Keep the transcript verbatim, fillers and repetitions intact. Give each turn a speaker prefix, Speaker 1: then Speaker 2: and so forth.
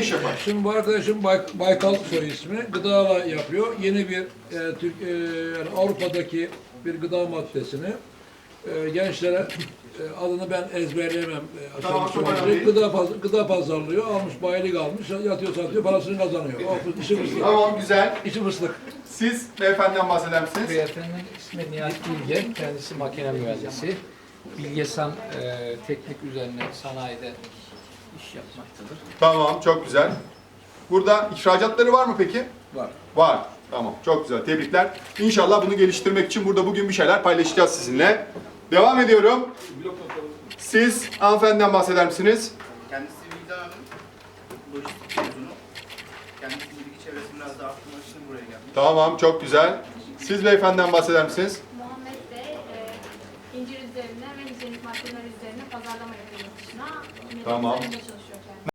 Speaker 1: iş yapar?
Speaker 2: Şimdi bu arkadaşım Bay, Baykal soy ismi. Gıdala yapıyor. Yeni bir e, Türk, e, yani Avrupa'daki bir gıda maddesini e, gençlere e, adını ben ezberleyemem. E,
Speaker 1: Tamam,
Speaker 2: aşağı
Speaker 1: çok
Speaker 2: yukarı.
Speaker 1: önemli.
Speaker 2: gıda, paz- gıda pazarlıyor. Almış bayilik almış. Yatıyor satıyor. Parasını kazanıyor. O işi fıstık.
Speaker 1: Tamam, güzel.
Speaker 2: İşi fıstık.
Speaker 1: Siz beyefendiden bahseder misiniz?
Speaker 3: Beyefendinin ismi Nihat Bilge, kendisi makine mühendisi. Bilgesan e, teknik üzerine sanayide iş yapmaktadır.
Speaker 1: Tamam, çok güzel. Burada ihracatları var mı peki?
Speaker 3: Var.
Speaker 1: Var. Tamam, çok güzel. Tebrikler. İnşallah bunu geliştirmek için burada bugün bir şeyler paylaşacağız sizinle. Devam ediyorum. Siz hanımefendiden bahseder misiniz?
Speaker 4: Kendisi Vildan Hanım, lojistik mezunu. Kendisi bilgi çevresini biraz da arttırmak için buraya gelmiş.
Speaker 1: Tamam, çok güzel. Siz beyefendiden bahseder misiniz?
Speaker 5: Muhammed de e, incir üzerine ve hijyenik maddeler üzerine pazarlama yapıyor yurt dışına.
Speaker 1: Tamam.
Speaker 5: Üzerinde çalışıyor.